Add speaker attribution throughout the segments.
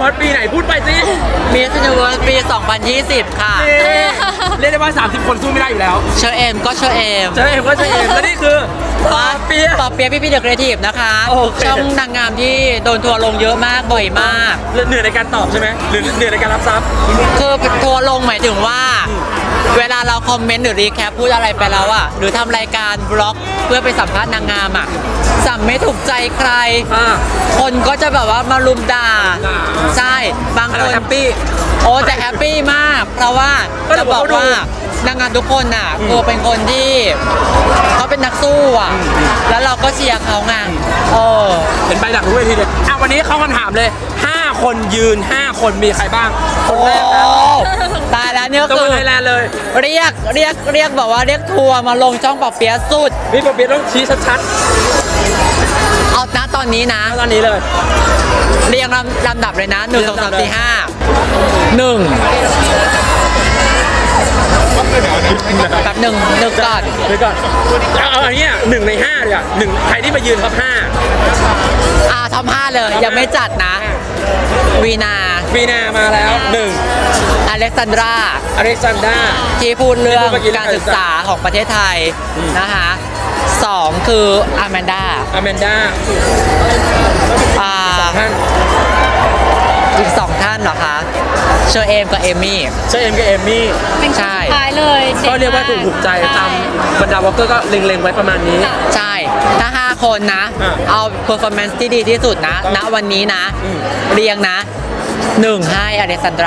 Speaker 1: วอร์สปีไหนพูดไปสิ
Speaker 2: Miss Universe ปี 2020 ค่ะ
Speaker 1: เรียกได้ว่า30 คนสู้ไม่ได้อยู่แล้ว
Speaker 2: เชอเอมก็เชอเอม
Speaker 1: เจอเอ็มก็เจอเอ็มและนี่คือปอเปียะ
Speaker 2: ปอเปียะพี่เดอะครีเอทีฟนะคะ
Speaker 1: โอเค
Speaker 2: ช่องนางงามที่โดนทัวร์ลงเยอะมากบ่อยมาก
Speaker 1: เหนื่อยในการตอบใช่ไหมหรือเหนื่อยในการรับทรัพย์
Speaker 2: คือทัวร์ลงหมายถึงว่า เวลาเราคอมเมนต์หรือรีแคปพูดอะไรไปแล้วอะหรือทำรายการบล็อกเพื่อไปสัมภาษณ์นางงามอะสัมไม่ถูกใจใคร คนก็จะแบบว่ามารุมด่า ใช่บางคน
Speaker 1: แฮปปี้
Speaker 2: โอ้แต่แฮปปี้มาก เพราะว่า
Speaker 1: ก็
Speaker 2: จะบอกว่านางงามทุกคนน่ะคือเป็นคนที่เขาเป็นนักสู้อ่ะ แล้วเราก็เชียร์เขาไงเออ
Speaker 1: เห็นไปดักรู้เวทีเลยวันนี้เข้าคำถามเลย 5 คนยืน 5 คนมีใครบ้าง คนแรกนะ
Speaker 2: โอ้ตายแล้วเนี่ย
Speaker 1: ตัว
Speaker 2: คือ
Speaker 1: ไทยแลนด์เลย
Speaker 2: เรียกบอกว่าเรียกทัวร์มาลงช่องปอเปียะสุด
Speaker 1: พี่ปอเปียะต้องชี้ชัด
Speaker 2: เอานะตอนนี้นะ
Speaker 1: ๆตอนนี้เลย
Speaker 2: เรียงลำดับเลยนะ1 2 3 4 5 1แบบหนึ่งก่อน
Speaker 1: เดี๋ยวก่อนเอาอันเนี้ย1 ใน 5เลยอ่ะใครที่มายืนท็อป
Speaker 2: ท็อป5เลยยังไม่จัดนะ วีนา
Speaker 1: 5วีนามาแล้ว1
Speaker 2: อเล็กซานดรา
Speaker 1: อเล็กซานดรา
Speaker 2: ที่พูดเรื่อง
Speaker 1: ที่พูดเมื่อกี้
Speaker 2: การศึกษาของประเทศไทยนะคะ2คืออาแมนดา
Speaker 1: อแมนดาท่าน
Speaker 2: อีก2ท่านเหรอคะเชอเอมกับเอมมี่
Speaker 1: เชอเอ็มกับเอมมี่
Speaker 2: ใช่
Speaker 3: ท้ายเลย
Speaker 1: ก็เรียกว่าถูกใจตามบรรดาวอลเกอร์ก็เล็งๆไว้ประมาณนี้
Speaker 2: ใช่ถ้า5คนนะ เอา performance ที่ดีที่สุดนะณวันนี้นะ เรียงนะ 1 ให้อเล็กซานดรา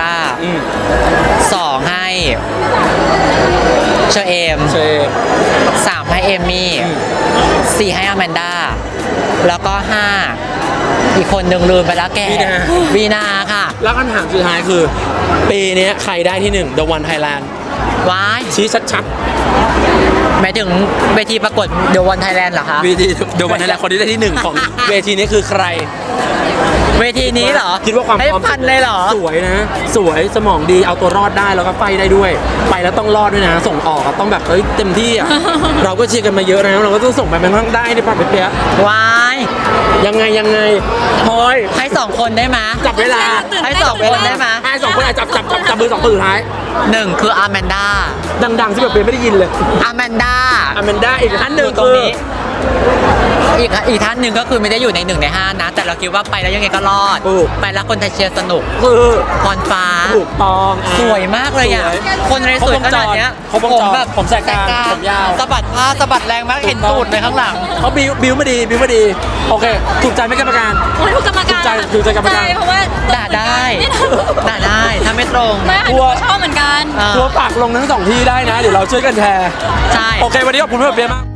Speaker 2: 2 ให้เชอเอม
Speaker 1: เชอเอ็ม
Speaker 2: 3 ให้เอมมี่ 4 ให้อแมนดา แล้วก็ 5 อีกคนหนึ่งลืมไปแล้วแกวีนาค่ะ
Speaker 1: แล้วคำถามสุดท้ายคือ ปีนี้ใครได้ที่1 The One Thailand
Speaker 2: ว้าย
Speaker 1: ชี้ชัด
Speaker 2: หมายถึงเวทีประกวดเดวันไทยแลนด์เหรอคะ
Speaker 1: ๆ The One Thailand คนที่ได้ที่ 1 ของเวทีนี้คือใคร
Speaker 2: เวทีนี้เหรอ
Speaker 1: คิดว่าความ
Speaker 2: ให้
Speaker 1: พร้อม
Speaker 2: พันเลยเหรอ
Speaker 1: สวยนะ สวยสมองดีเอาตัวรอดได้แล้วก็ไฟได้ด้วย ไปแล้วต้องรอดด้วยนะ ส่งออกอะต้องแบบเต็มที่อ่ะ เราก็เชียร์กันมาเยอะนะเราก็ต้องส่งไปมันต้องได้ดิป่ะเปียะ
Speaker 2: ว้าย
Speaker 1: ยังไงพลอย
Speaker 2: ให้2 คนได้ไหมย
Speaker 1: จับเวลา
Speaker 2: ให้2 คนได้ไหมย
Speaker 1: ให้2 คนอ่ะจับมือ2 คนสุดท้าย
Speaker 2: 1 คืออาแมนดา
Speaker 1: ดังๆที่แบบเปียะไม่ได้ยินเลย
Speaker 2: อาแมนดา
Speaker 1: อแมนด้าอีกท่านหนึ่ง
Speaker 2: ตรง
Speaker 1: คือ
Speaker 2: นี้ อีกท่านหนึ่งก็คือไม่ได้อยู่ใน1 ใน 5นะ แต่เราคิดว่าไปแล้วยังไงก็รอด ไปแล้วคนไทยเชียร์สนุก
Speaker 1: คือ
Speaker 2: พรฟ้า
Speaker 1: ถูกต้องอ่ะ
Speaker 2: สวยมากเลยอ่ะ
Speaker 1: สวย
Speaker 2: คนในสวยขนาดเนี้ย
Speaker 1: ครบวงจร
Speaker 2: แบบ
Speaker 1: ผมแสกกลางผมยาว
Speaker 2: สะบัดผ้าสะบัดแรงมากเห็นตูดเลยข้างหลัง
Speaker 1: เขาบิวมาดีโอเคถูกใจไหม่กรรมการ
Speaker 3: โอ้ยถูกกรรมการ
Speaker 1: ถูกใจกรรมการ
Speaker 3: ใช่เพราะว่า
Speaker 2: ด่าได้ถ้าไม่ตรง
Speaker 3: ไม่ค่ะหนูก็ชอบเหมือนกัน
Speaker 2: เออ
Speaker 1: ตัวปากลงทั้ง2 ที่ได้นะ เดี๋ยวเราช่วยกันแชร์
Speaker 2: ใช่
Speaker 1: โอเควันนี้ขอบคุณพี่เปียะมาก